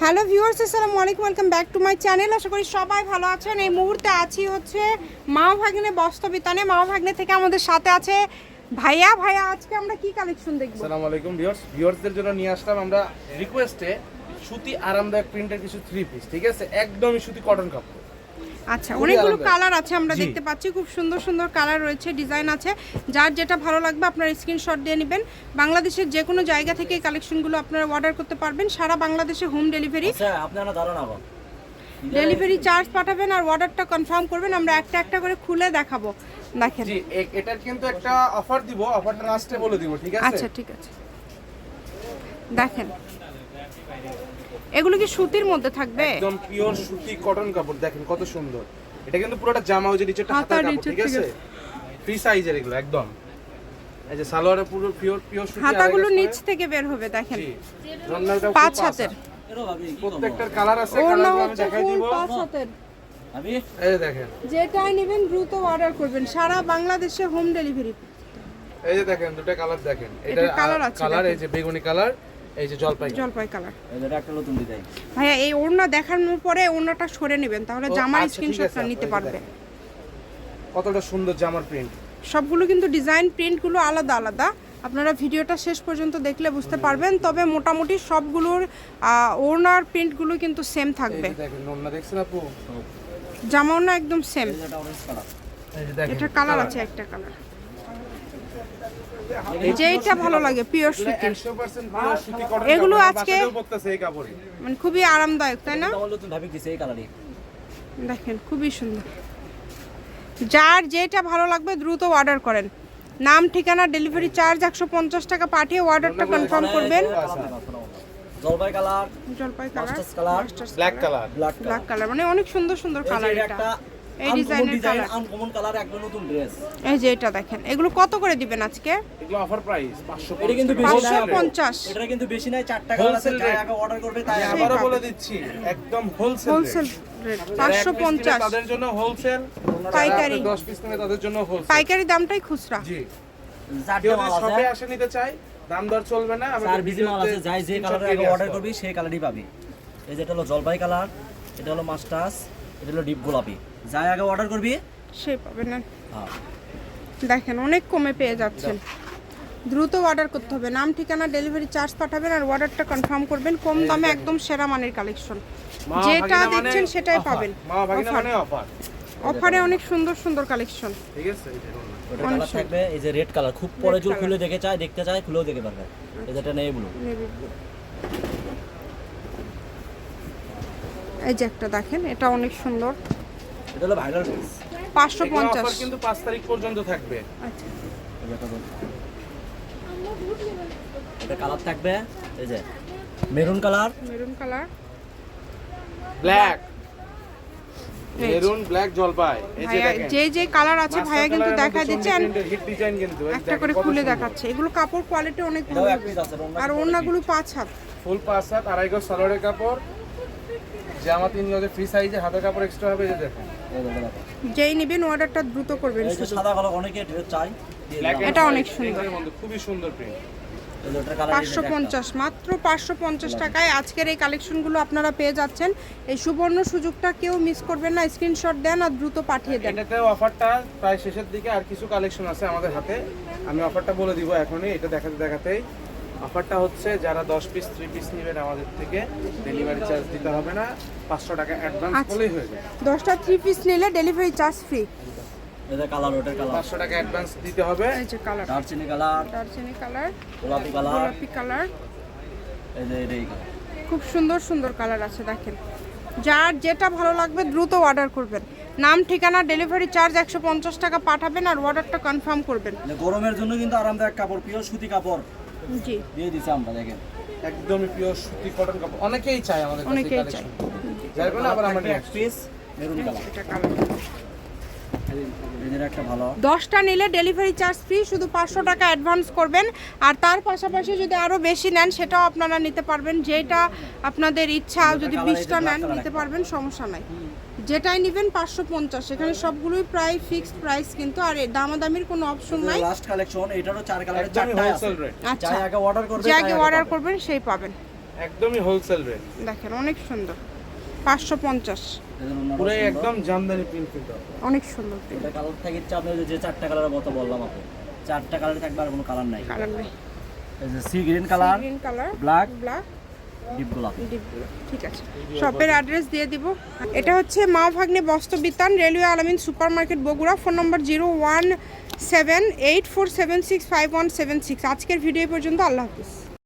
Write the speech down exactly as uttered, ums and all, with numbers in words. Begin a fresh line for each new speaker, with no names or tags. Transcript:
Hello viewers, আসসালামু আলাইকুম, welcome back to my channel. আশা করি সবাই ভালো আছেন। এই মুহূর্তে আছি হচ্ছে মা ভাগ্নে বস্ত্রবিতানে। মা ভাগ্নে থেকে আমাদের সাথে আছে ভাইয়া। ভাইয়া, আজকে আমরা কি কালেকশন দেখব?
আসসালামু আলাইকুম ভিউয়ার্স, ভিউয়ার্সদের জন্য নিয়ে আসলাম আমরা রিকোয়েস্টে সুতি আরামদায়ক প্রিন্টের কিছু থ্রি পিস, ঠিক আছে? একদমই সুতি কটন কাপড়।
আচ্ছা, অনেকগুলো কালার আছে আমরা দেখতে পাচ্ছি, খুব সুন্দর সুন্দর কালার রয়েছে, ডিজাইন আছে। যার যেটা ভালো লাগবে আপনারা স্ক্রিনশট দিয়ে নেবেন। বাংলাদেশের যে কোনো জায়গা থেকে এই কালেকশনগুলো আপনারা অর্ডার করতে পারবেন। সারা বাংলাদেশে হোম ডেলিভারি।
আচ্ছা, আপনারা দাঁড়ান আবার
ডেলিভারি চার্জ পাঠাবেন আর অর্ডারটা কনফার্ম করবেন। আমরা একটা একটা করে খুলে দেখাবো। দেখেন,
জি, এটার কিন্তু একটা অফার দিব, অফারটা লাস্টে বলে দিব, ঠিক আছে?
আচ্ছা, ঠিক আছে। দেখেন, এগুলো কি সুতির মধ্যে থাকবে?
একদম পিওর সুতি কটন কাপড়। দেখেন কত সুন্দর। এটা কিন্তু পুরোটা জামা, ওই যে নিচেটা হাতার কাপড়, ঠিক আছে? ফ্রি সাইজের এগুলো একদম। এই যে সালোয়ারে পুরো পিওর পিওর সুতি,
হাতাগুলো নিচ থেকে বের হবে। দেখেন,
জি, রন্নাটা
পাঁচ হাতের,
প্রত্যেকটার কালার আছে,
ওড়না
কালারগুলো আমি
হচ্ছে
দেখাই
ফুল
দিব।
পাঁচ হাতের।
আমি
এই যে দেখেন,
যেটাই নেবেন দ্রুত অর্ডার করবেন। সারা বাংলাদেশে হোম ডেলিভারি।
এই যে দেখেন দুটো কালার দেখেন। এটা
এটা কালার আছে,
কালার, এই
দেখেন।
যে বেগুনি কালার, এই যে জলপাই কালার।
জলপাই কালার।
এটা একটা নতুন ডিজাইন।
ভাইয়া, এই ওড়না দেখানোর পরে ওড়নাটা সরে নেবেন, তাহলে
ও,
জামার
আচ্ছা, ঠিক
স্ক্রিনশটটা
আছে,
নিতে
এই
পারবে।
দেখেন। কতটা সুন্দর জামার প্রিন্ট।
সবগুলো কিন্তু ডিজাইন প্রিন্টগুলো আলাদা আলাদা। আপনারা ভিডিওটা শেষ পর্যন্ত দেখলে বুঝতে পারবেন। তবে মোটামুটি সবগুলোর আহ, ওড়নার প্রিন্টগুলো কিন্তু সেম
এই
থাকবে।
যে দেখেন ওড়না দেখছেন আপু?
জামা ওড়না একদম সেম।
এটা অরেঞ্জ কালার।
এই যে দেখেন
এটা কালার আছে, একটা কালার। যেইটা ভালো লাগে পিওর সুতি।
একশো পার্সেন্ট পিওর সুতি কটন।
এগুলো আজকে
পড়তেছে এই কাপড়ই।
মানে খুবই আরামদায়ক, তাই না?
এটা নতুন ভাবে দিছে এই কালারই।
দেখেন, খুবই সুন্দর। যার যেটা ভালো লাগবে দ্রুত অর্ডার করেন। নাম, ঠিকানা, ডেলিভারি চার্জ একশো পঞ্চাশ টাকা পাঠিয়ে অর্ডারটা কনফার্ম করবেন।
জলপাই কালার,
জলপাই colour,
mustard colour,
black colour.
Black
black colour, মানে অনেক সুন্দর সুন্দর কালার।
এটা
এটা
একটা
এই
আনকমন
ডিজাইনের
ডিজাইন,
কালার।
আনকমন কালার, একদম নতুন ড্রেস।
এই যে এটা দেখেন, এগুলো কত করে দিবেন আজকে?
এগুলো অফার প্রাইস পাঁচশো।
এটা কিন্তু বেশি
পাঁচশো
না,
পঞ্চাশ।
এটা কিন্তু বেশি নাই, চারটা কালার আছে,
Wholesale
যাই
rate।
আগে অর্ডার করবে তাই
আমি
আগে
আবারও বলে দিচ্ছি, একদম হোলসেল
হোলসেল রেট পাঁচশো পঞ্চাশ।
তাদের জন্য হোলসেল,
পাইকারি।
দশ পিস নেবে তাদের জন্য হোলসেল।
পাইকারি দামটাই খুচরা।
জি,
চারটা
কেউ
মাল
যদি
আছে,
শপে আসে নিতে চাই, দাম দর চলবে না।
চার বিজি মাল আছে, যাই যে কালারে আগে অর্ডার করবি সেই কালারই পাবি। এই যেটা হলো জলপাই কালার, এটা হলো মাস্টার্স, এটা হলো ডিপ গোলাপি। যাই আগে অর্ডার করবি
সে পাবেন না।
হ্যাঁ।
দেখেন, অনেক কমে পেয়ে যাচ্ছেন। দ্রুত অর্ডার করতে হবে। নাম, ঠিকানা, ডেলিভারি চার্জ পাঠাবেন আর অর্ডারটা কনফার্ম করবেন। কম দামে একদম সেরা মানের কালেকশন।
মা
যেটা
ভাগিনা মানে
দেখছেন সেটাই
offer।
পাবেন।
মা ভাগিনা
Offer।
মানে অফার,
অফারে অনেক সুন্দর সুন্দর কালেকশন।
ঠিক আছে? এই দেখুন।
ওটা কালার থাকবে এই যে রেড কালার, খুব পরে জোর খুলে দেখে চায়, দেখতে চায় খুলেও দেখে পারবে। এই যেটা নেই ব্লু।
এই যে একটা দেখেন, এটা অনেক সুন্দর।
এটা হলো ভাইরাল পিস।
পাঁচশো
এগুলো
পঞ্চাশ।
অফার কিন্তু পাঁচ তারিখ পর্যন্ত থাকবে।
আচ্ছা,
এটা কালার থাকবে এই যে maroon colour,
maroon colour,
black,
এই যে।
মেরুন, ব্ল্যাক, জলপাই। এই যে
ভাইয়া
দেখেন,
যে যে কালার আছে ভাইয়া কিন্তু দেখা দিচ্ছে। and
হিট ডিজাইন কিন্তু এই
একটা
দেখেন
করে
কত
খুলে
সুন্দর।
দেখাচ্ছে। এগুলো কাপড় কোয়ালিটি অনেক ভালো
এটাও এক
হবে।
পিস আছে, অন্য
আর
কিছু
ওড়নাগুলো পাঁচ হাত।
ফুল পাঁচ হাত, আড়াই গজ সালোয়ারের কাপড়, জামা তিন গজের ফ্রি সাইজে, হাতের কাপড় এক্সট্রা হবে। এই যে দেখেন,
এই যে দেখো।
যেই নেবেন অর্ডারটা দ্রুত করবেন
এই যে
শুধু।
সাদা কালার অনেকে চাই,
ব্ল্যাক
এটা অনেক সুন্দর।
খুবই সুন্দর প্রিন্ট।
এই যে ওটার কালার
পাঁচশো পঞ্চাশ, মাত্র পাঁচশো পঞ্চাশ টাকায় আজকের এই কালেকশনগুলো আপনারা পেয়ে যাচ্ছেন। এই সুবর্ণ সুযোগটা কেউ মিস করবেন না। স্ক্রিনশট দেন আর দ্রুত পাঠিয়ে দেন।
এটাতে অফারটা প্রায় শেষের দিকে, আর কিছু কালেকশন আছে আমাদের হাতে। আমি অফারটা বলে দিব এখনই, এটা দেখাতে দেখাতেই। অফারটা হচ্ছে যারা দশ পিস থ্রি পিস নেবেন আমাদের থেকে, ডেলিভারি চার্জ দিতে হবে না, পাঁচশো টাকা অ্যাডভান্স
আচ্ছা।
করলেই হয়ে যাবে।
দশটা থ্রি পিস নিলে ডেলিভারি চার্জ ফ্রি।
এই যে কালার, ওটার কালার
পাঁচশো টাকা অ্যাডভান্স দিতে হবে।
এই যে কালার,
দারচিনি কালার,
দারচিনি কালার,
গোলাপি কালার,
গোলাপি কালার,
এই যে এটাই কালার।
খুব সুন্দর সুন্দর কালার আছে। দেখেন, যার যেটা ভালো লাগবে দ্রুত অর্ডার করবেন। নাম, ঠিকানা, ডেলিভারি চার্জ একশো পঞ্চাশ টাকা পাঠাবেন আর অর্ডারটা কনফার্ম করবেন।
মানে গরমের জন্য কিন্তু আরামদায়ক কাপড়, পিওর সুতি কাপড়
জি,
দিয়ে দিছি আমরা। দেখেন
একদমই পিওর সুতি কটন কাপড়, অনেকেই চায় আমাদের কাছে
অনেকেই
কালেকশন।
চায়।
যার কারণে আবার আমরা নিয়ে
এক
আসছি।
পিস মেরুন কালার,
এটা কালার।
এদের একটা ভালো।
দশটা নিলে ডেলিভারি চার্জ ফ্রি, শুধু পাঁচশো টাকা অ্যাডভান্স করবেন। আর তার পাশাপাশি যদি আরও বেশি নেন সেটাও আপনারা নিতে পারবেন। যেটা আপনাদের ইচ্ছা, যদি বিশটা নেন নিতে পারবেন, সমস্যা নাই। যেটাই নেবেন পাঁচশো পঞ্চাশ। এখানে সবগুলোই প্রায় ফিক্সড প্রাইস কিন্তু, আর এই দামাদামির কোনো অপশন নাই।
লাস্ট কালেকশন, এটারও চার কালারের
একদমই
চারটা আছে।
Wholesale rate.
আচ্ছা,
যাই আগে অর্ডার করবে
যে
তাই
আগে
আগে
অর্ডার
পাবে।
করবেন সেই পাবেন।
একদমই হোলসেল রেট।
দেখেন অনেক সুন্দর, পাঁচশো পঞ্চাশ,
পুরো একদম জামদানি প্রিন্ট কিন্তু
অনেক সুন্দর print।
এটা কালার থাকে হচ্ছে আপনার যে চারটা কালারের মতো বললাম আপনি, চারটা কালারে থাকবে আর কোনো কালার নাই।
কালার নেই,
এই যে sea green colour,
green colour,
black,
black,
deep গোলাপি।
ডিপগুলো ঠিক আছে। শপের অ্যাড্রেস দিয়ে দিব। এটা হচ্ছে Ma Bhagne Bastra Bitan, railway Alamin super market Bogura. Phone number zero one seven eight four seven six five one seven six. আজকের ভিডিও পর্যন্ত, আল্লাহ হাফিজ।